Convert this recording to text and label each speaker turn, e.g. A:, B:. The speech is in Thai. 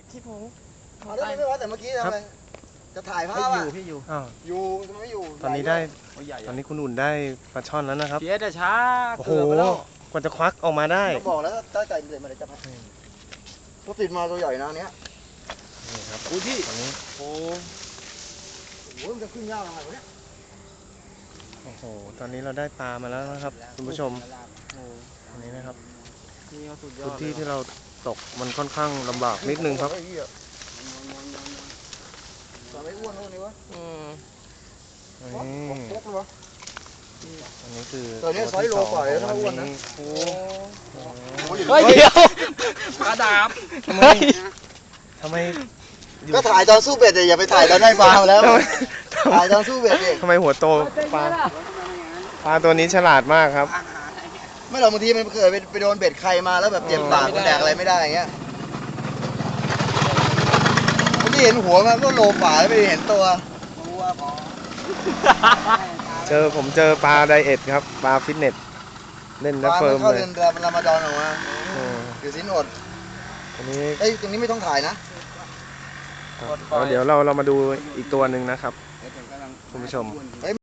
A: ที่ผม
B: เอาได้ไม่ว่าแต่เมื่อกี้ทำไมจะถ่ายภาพอ่ะ
C: พี่อยู่
D: อ้าว
B: อยู่ทำไมไม่อยู่
D: ตอนนี้ได้
C: ใหญ่
D: ตอนนี้คุณอุ่นได้ปลาช่อนแล้วนะครับ
C: เพี้ยแต่ช้า
D: โอ้โห
C: เกือบไปแล้ว
D: กว่าจะควักออกมาได้
B: ก็บอกแล้วถ้าใจมันเลยมาเลยจะพักก็ติดมาตัวใหญ่นะเนี้ย
D: นี่ครับ
C: อุ้ยพี่
D: ตอนนี้
C: โอ้
B: โอ้ยมันจะขึ้นยากทำไมวะเนี่ย
D: โอ้โหตอนนี้เราได้ปลามาแล้วนะครับคุณผู้ชมอันนี้นะครับ
C: นี่เขาสุดยอ
D: พื้
C: ด
D: นที่ที่เราตกมันค่อนข้างลำบากนิดนึงครับ
B: ไอ้เหี้ยตอนไม่อ้วนเท่านี้วะ
C: อืม
D: นี่
B: ปุ๊บเลยวะ
D: อันนี้คือ
B: ตัวนี้
D: ที่
B: ไซส์โลกว่าเลย
D: สอง
B: ถ้าอ้วนนะ
D: โอ้
B: โอ้ย
C: เฮ้ยเดี๋ยวกระดาบ
D: ทำไมทำไมอยู่
B: ก็ถ่ายตอนสู้เบ็ดแต่อย่าไปถ่ายตอนได้ปลามาแล้ว ถ่ายตอนสู้เบ็ดดิ
D: ทำไมหัวโตปลาตัวนี้ฉลาดมากครับ
B: ไม่หรอกบางทีมันเคยไปโดนเบ็ดใครมาแล้วแบบเจ็บปากมันแดกอะไรไม่ได้อย่างเงี้ยเมื่อกี้เห็นหัวมันก็โลป่าแล้วไม่เห็นตัว
D: ผมเจอปลาไดเอทครับปลาฟิตเนสเล่น
B: ป
D: แล้ว
B: ลา
D: เฟิ
B: มั
D: ร์
B: น
D: ม
B: เข้า
D: เลย
B: เดือนรอมฎอนออกมา
D: โอ้
B: ถือศีลอด
D: อันนี้
B: เอ้ยตรงนี้ไม่ต้องถ่ายนะ
D: เดี๋ยวเรามาดูอีกตัวหนึ่งนะครับคุณผู้ชม